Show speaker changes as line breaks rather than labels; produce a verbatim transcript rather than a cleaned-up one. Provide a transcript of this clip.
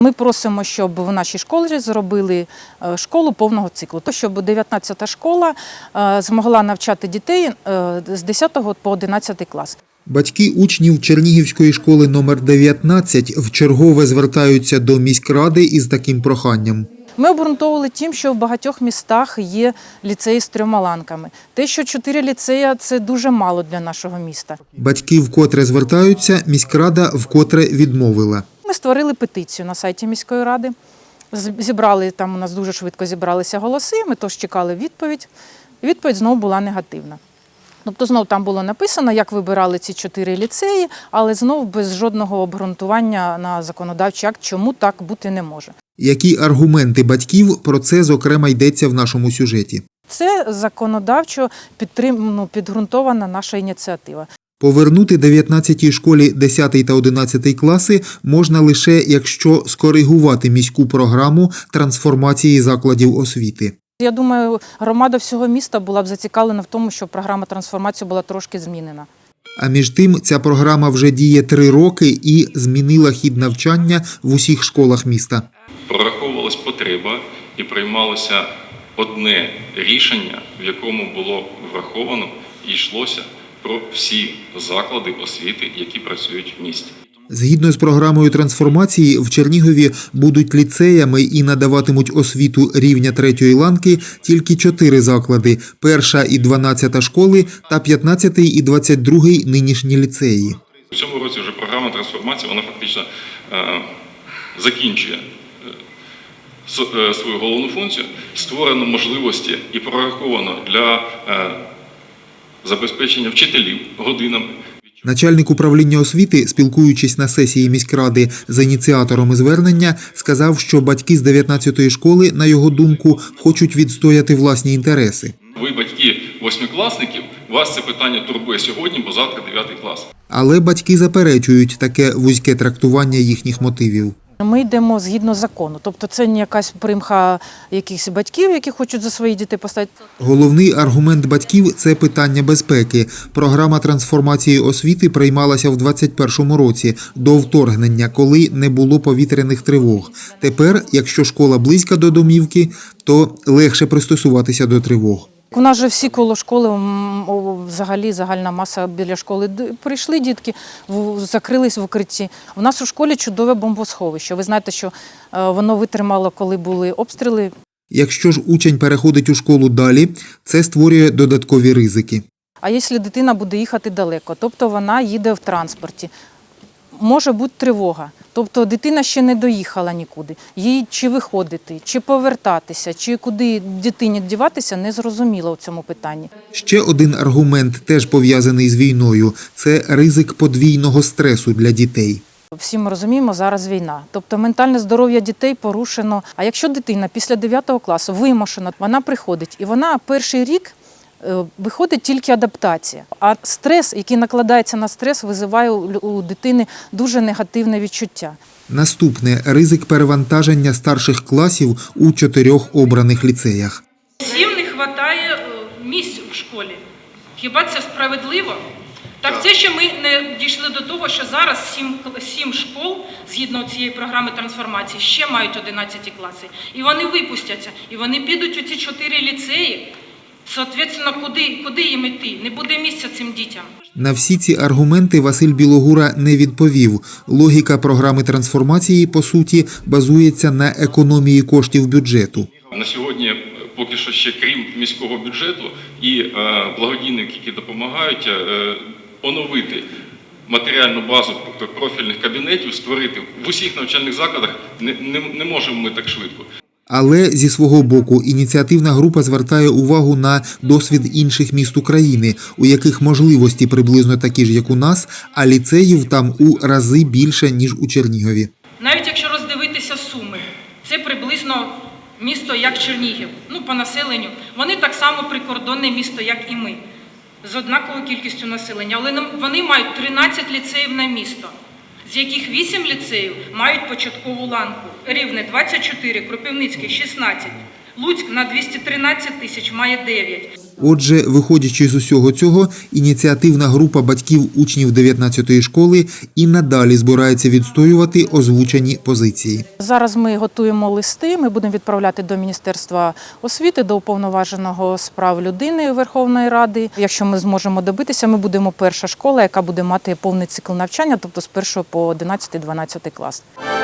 Ми просимо, щоб в нашій школі зробили школу повного циклу, то щоб дев'ятнадцята школа змогла навчати дітей з десятого по одинадцятий клас.
Батьки учнів Чернігівської школи номер дев'ятнадцять вчергове звертаються до міськради із таким проханням.
Ми обґрунтовували тим, що в багатьох містах є ліцеї з трьома ланками. Те, що чотири ліцеї – це дуже мало для нашого міста.
Батьки вкотре звертаються, міськрада вкотре відмовила.
Ми створили петицію на сайті міської ради, зібрали, там у нас дуже швидко зібралися голоси, ми тож чекали відповідь. Відповідь знову була негативна. Тобто знову там було написано, як вибирали ці чотири ліцеї, але знову без жодного обґрунтування на законодавчий акт, чому так бути не може.
Які аргументи батьків, про це, зокрема, йдеться в нашому сюжеті.
Це законодавчо підтрим... ну, підґрунтована наша ініціатива.
Повернути дев'ятнадцятій школі десятий та одинадцятий класи можна лише, якщо скоригувати міську програму трансформації закладів освіти.
Я думаю, громада всього міста була б зацікавлена в тому, щоб програма трансформації була трошки змінена.
А між тим, ця програма вже діє три роки і змінила хід навчання в усіх школах міста.
Прораховувалась потреба і приймалося одне рішення, в якому було враховано і йшлося про всі заклади освіти, які працюють в місті.
Згідно з програмою трансформації, в Чернігові будуть ліцеями і надаватимуть освіту рівня третьої ланки тільки чотири заклади – перша і дванадцята школи та п'ятнадцятий і двадцять другий нинішні ліцеї.
У цьому році вже програма трансформації, вона фактично е, закінчує е, свою головну функцію. Створено можливості і прораховано для е, забезпечення вчителів годинами.
Начальник управління освіти, спілкуючись на сесії міськради з ініціаторами звернення, сказав, що батьки з дев'ятнадцятої школи, на його думку, хочуть відстояти власні інтереси.
Ви, батьки восьмикласників, вас це питання турбує сьогодні, бо завтра дев'ятий клас.
Але батьки заперечують таке вузьке трактування їхніх мотивів.
Ми йдемо згідно закону, тобто це не якась примха якихось батьків, які хочуть за свої дітей поставити.
Головний аргумент батьків – це питання безпеки. Програма трансформації освіти приймалася в двадцять першому році, до вторгнення, коли не було повітряних тривог. Тепер, якщо школа близька до домівки, то легше пристосуватися до тривог.
У нас же всі коло школи, взагалі загальна маса біля школи, прийшли дітки, закрились в укритті. У нас у школі чудове бомбосховище. Ви знаєте, що воно витримало, коли були обстріли.
Якщо ж учень переходить у школу далі, це створює додаткові ризики.
А якщо дитина буде їхати далеко, тобто вона їде в транспорті, може бути тривога. Тобто дитина ще не доїхала нікуди. Їй чи виходити, чи повертатися, чи куди дитині діватися, не зрозуміло у цьому питанні.
Ще один аргумент, теж пов'язаний з війною – це ризик подвійного стресу для дітей.
Всі ми розуміємо, зараз війна. Тобто ментальне здоров'я дітей порушено. А якщо дитина після дев'ятого класу вимушена, вона приходить і вона перший рік виходить тільки адаптація. А стрес, який накладається на стрес, визиває у дитини дуже негативне відчуття.
Наступне – ризик перевантаження старших класів у чотирьох обраних ліцеях.
Всім не вистачає місць у школі. Хіба це справедливо? Так це ще ми не дійшли до того, що зараз сім, сім школ, згідно цієї програми трансформації, ще мають одинадцяті класи. І вони випустяться, і вони підуть у ці чотири ліцеї. Соответственно, куди, куди їм йти? Не буде місця цим дітям.
На всі ці аргументи Василь Білогура не відповів. Логіка програми трансформації, по суті, базується на економії коштів бюджету.
На сьогодні, поки що ще крім міського бюджету і е, благодійники, які допомагають е, оновити матеріальну базу профільних кабінетів, створити в усіх навчальних закладах, не, не, не можемо ми так швидко.
Але зі свого боку ініціативна група звертає увагу на досвід інших міст України, у яких можливості приблизно такі ж, як у нас, а ліцеїв там у рази більше, ніж у Чернігові.
Навіть якщо роздивитися Суми, це приблизно місто, як Чернігів, ну, по населенню. Вони так само прикордонне місто, як і ми, з однаковою кількістю населення. Але вони мають тринадцять ліцеїв на місто, з яких вісім ліцеїв мають початкову ланку. Рівне двадцять чотири, Кропивницький – шістнадцять, Луцьк на двісті тринадцять тисяч має дев'ять.
Отже, виходячи з усього цього, ініціативна група батьків учнів дев'ятнадцятої школи і надалі збирається відстоювати озвучені позиції.
Зараз ми готуємо листи, ми будемо відправляти до Міністерства освіти, до Уповноваженого з прав людини Верховної Ради. Якщо ми зможемо добитися, ми будемо перша школа, яка буде мати повний цикл навчання, тобто з першого по одинадцятий-дванадцятий клас.